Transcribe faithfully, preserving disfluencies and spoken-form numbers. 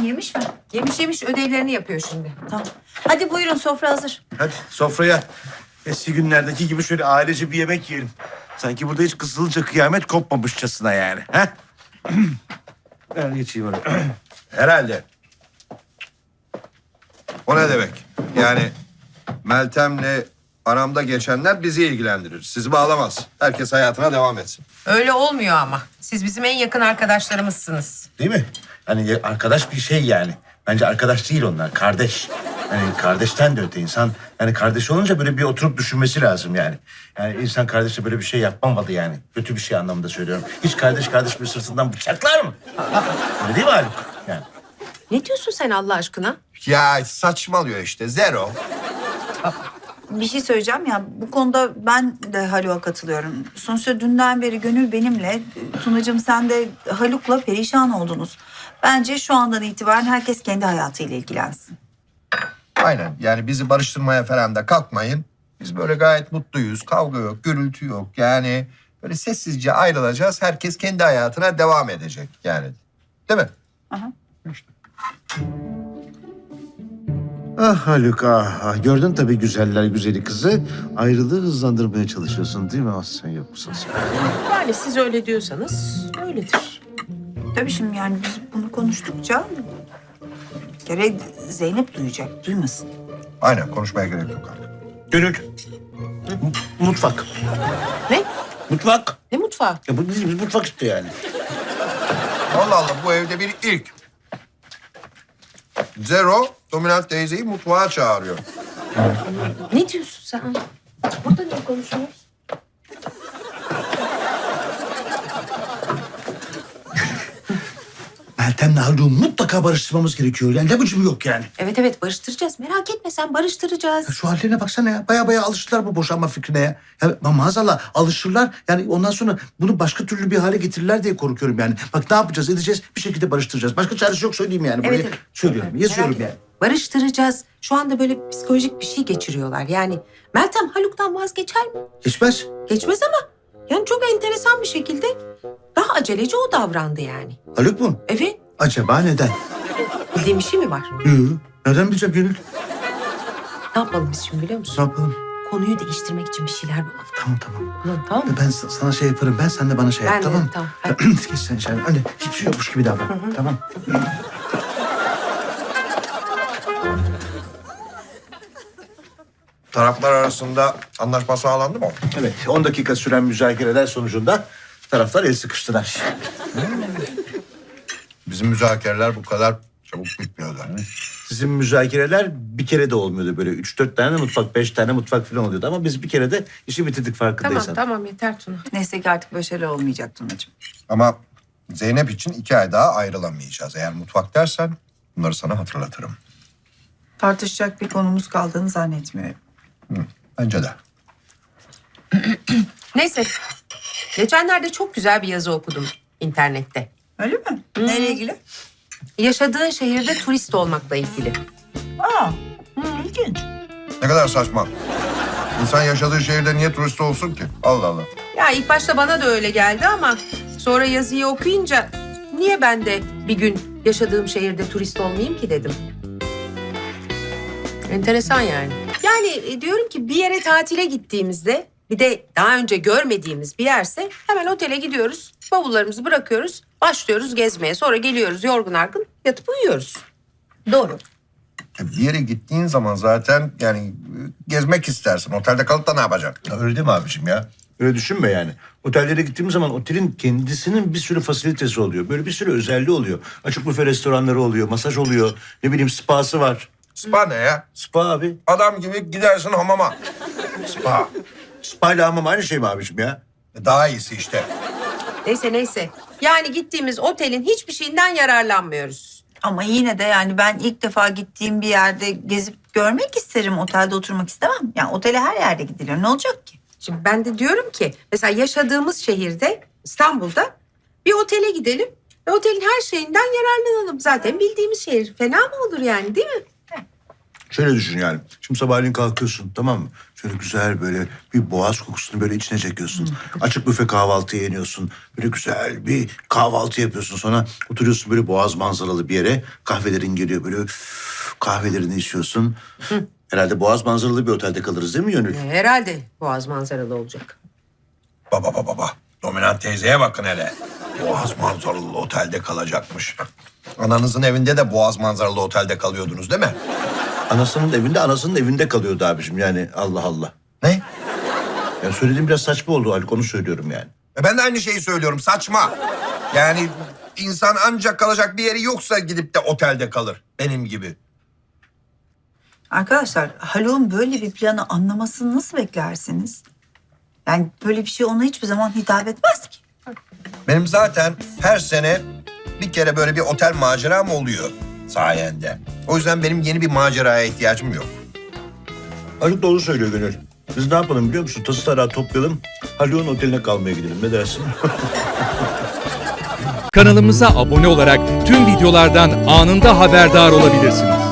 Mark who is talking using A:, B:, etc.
A: Tamam, yemiş mi?
B: Yemiş yemiş ödevlerini yapıyor şimdi.
A: Tamam. Hadi buyurun, sofra hazır.
C: Hadi sofraya eski günlerdeki gibi şöyle ailece bir yemek yiyelim. Sanki burada hiç Kızılca kıyamet kopmamışçasına yani. Ha? Ben geçeyim oraya.
D: Herhalde. O ne demek? Yani Meltem'le aramda geçenler bizi ilgilendirir. Sizi bağlamaz. Herkes hayatına devam etsin.
B: Öyle olmuyor ama. Siz bizim en yakın arkadaşlarımızsınız.
C: Değil mi? Hani arkadaş bir şey yani. Bence arkadaş değil onlar, kardeş. Yani kardeşten de öte insan. Yani kardeş olunca böyle bir oturup düşünmesi lazım yani. Yani insan kardeşle böyle bir şey yapmamalı yani. Kötü bir şey anlamında söylüyorum. Hiç kardeş kardeş bir sırtından bıçaklar mı? Öyle değil mi Haluk? Yani.
B: Ne diyorsun sen Allah aşkına?
D: Ya saçmalıyor işte. Zero.
A: Bir şey söyleyeceğim ya, bu konuda ben de Haluk'a katılıyorum. Sonuçta dünden beri Gönül benimle, Tunacığım sen de Haluk'la perişan oldunuz. Bence şu andan itibaren herkes kendi hayatıyla ilgilensin.
D: Aynen. Yani bizi barıştırmaya falan da kalkmayın. Biz böyle gayet mutluyuz. Kavga yok, gürültü yok. Yani böyle sessizce ayrılacağız. Herkes kendi hayatına devam edecek yani. Değil mi?
A: Aha.
C: Ah Haluk ah, ah. Gördün tabii güzeller güzeli kızı. Ayrılığı hızlandırmaya çalışıyorsun değil mi? Ah sen yoksun sen.
B: Yani siz öyle diyorsanız öyledir.
A: Tabii şimdi yani biz bunu konuştukça bir kere Zeynep duyacak, duymasın.
D: Aynen. Konuşmaya gerek yok artık.
C: Gönül. M- mutfak.
B: Ne?
C: Mutfak.
B: Ne mutfağı?
C: Ya bu bizim mutfak işte yani.
D: Allah Allah, bu evde bir ilk. Zero, dominant teyzeyi mutfağa çağırıyor.
B: Ne diyorsun sen? Burada ne konuşuyoruz?
C: Meltem'le Haluk'u mutlaka barıştırmamız gerekiyor. Yani labucum yok yani.
B: Evet evet barıştıracağız. Merak etme sen barıştıracağız.
C: Ya şu hallerine baksana ya. Baya baya alıştılar bu boşanma fikrine ya. Ya ma- maazallah alışırlar. Yani ondan sonra bunu başka türlü bir hale getirirler diye korkuyorum yani. Bak ne yapacağız edeceğiz bir şekilde barıştıracağız. Başka çaresi yok söyleyeyim yani. Buraya
B: Evet, evet.
C: söylüyorum yazıyorum
B: Merak
C: yani.
B: etme. Barıştıracağız. Şu anda böyle psikolojik bir şey geçiriyorlar. Yani Meltem Haluk'tan vazgeçer mi?
C: Geçmez.
B: Geçmez ama yani çok enteresan bir şekilde daha aceleci o davrandı yani.
C: Haluk mu?
B: Evet.
C: Acaba neden?
B: Bildiğin bir şey mi var?
C: Yok. Nereden bileceğim Gönül?
B: Ne yapalım biz şimdi biliyor
C: Ne
B: musun?
C: yapalım?
B: Konuyu değiştirmek için bir şeyler bulalım.
C: Tamam tamam.
B: Bulalım, tamam mı?
C: Ben sa- sana şey yaparım. Ben sen de bana şey
B: Ben
C: yap
B: de,
C: tamam mı?
B: tamam, hadi.
C: Geç sen içeri. Öyle hiçbir şey yokmuş gibi davran. Tamam.
D: Taraflar arasında anlaşma sağlandı mı?
C: Evet. on dakika süren müzakereler sonucunda taraflar el sıkıştılar.
D: Bizim müzakereler bu kadar çabuk bitmiyordu.
C: Sizin müzakereler bir kere de olmuyordu böyle. Üç dört tane mutfak, beş tane mutfak falan oluyordu. Ama biz bir kere de işi bitirdik
B: Tamam
C: farkındaysan.
B: tamam yeter Tuna.
A: Neyse ki artık böyle şeyler olmayacak Tunacığım.
D: Ama Zeynep için iki ay daha ayrılamayacağız. Eğer mutfak dersen bunları sana hatırlatırım.
A: Tartışacak bir konumuz kaldığını zannetmiyorum.
D: Bence de.
B: Neyse. Geçenlerde çok güzel bir yazı okudum internette.
A: Öyle mi? Neyle ilgili?
B: Yaşadığın şehirde turist olmakla ilgili.
A: Aa, ilginç.
D: Ne kadar saçma. İnsan yaşadığı şehirde niye turist olsun ki? Allah Allah.
B: Ya ilk başta bana da öyle geldi ama sonra yazıyı okuyunca niye ben de bir gün yaşadığım şehirde turist olmayayım ki dedim. Enteresan yani. Yani e, diyorum ki bir yere tatile gittiğimizde bir de daha önce görmediğimiz bir yerse hemen otele gidiyoruz. Bavullarımızı bırakıyoruz. Başlıyoruz gezmeye. Sonra geliyoruz yorgun argın yatıp uyuyoruz. Doğru.
D: E, Bir yere gittiğin zaman zaten yani e, gezmek istersin. Otelde kalıp da ne yapacaksın?
C: Ya öyle değil mi abiciğim ya? Öyle düşünme yani. Otellere gittiğimiz zaman otelin kendisinin bir sürü fasilitesi oluyor. Böyle bir sürü özelliği oluyor. Açık büfe restoranları oluyor, masaj oluyor. Ne bileyim spası var.
D: Spa ne ya?
C: Spa abi.
D: Adam gibi gidersin hamama. Spa.
C: Spa ile hamam aynı şey mi abiciğim ya?
D: E, Daha iyisi işte.
B: Neyse neyse. Yani gittiğimiz otelin hiçbir şeyinden yararlanmıyoruz.
A: Ama yine de yani ben ilk defa gittiğim bir yerde gezip görmek isterim. Otelde oturmak istemem. Yani otele her yerde gidilir. Ne olacak ki?
B: Şimdi ben de diyorum ki mesela yaşadığımız şehirde İstanbul'da bir otele gidelim ve otelin her şeyinden yararlanalım. Zaten bildiğimiz şehir. Fena mı olur yani değil mi?
C: Şöyle düşün yani. Şimdi sabahleyin kalkıyorsun tamam mı? Şöyle güzel böyle bir boğaz kokusunu böyle içine çekiyorsun. Açık büfe kahvaltıya yeniyorsun. Böyle güzel bir kahvaltı yapıyorsun. Sonra oturuyorsun böyle boğaz manzaralı bir yere. Kahvelerin geliyor böyle üf, kahvelerini içiyorsun. Herhalde boğaz manzaralı bir otelde kalırız değil mi Gönül?
B: E, Herhalde boğaz manzaralı olacak.
D: Baba baba baba. Dominant teyzeye bakın hele. Boğaz manzaralı otelde kalacakmış. Ananızın evinde de boğaz manzaralı otelde kalıyordunuz değil mi?
C: Anasının evinde anasının evinde kalıyordu abicim yani Allah Allah.
D: Ne?
C: Yani söylediğim biraz saçma oldu Haluk onu söylüyorum yani.
D: E ben de aynı şeyi söylüyorum. Saçma. Yani insan ancak kalacak bir yeri yoksa gidip de otelde kalır. Benim gibi.
A: Arkadaşlar Haluk'un böyle bir planı anlamasını nasıl beklersiniz? Yani böyle bir şey ona hiçbir zaman hitap etmez ki.
D: Benim zaten her sene bir kere böyle bir otel maceram oluyor sayende. O yüzden benim yeni bir maceraya ihtiyacım yok.
C: Haluk doğru söylüyor Gönül. Biz ne yapalım biliyor musun? Tası tarağı toplayalım. Haluk'un oteline kalmaya gidelim. Ne dersin?
E: Kanalımıza abone olarak tüm videolardan anında haberdar olabilirsiniz.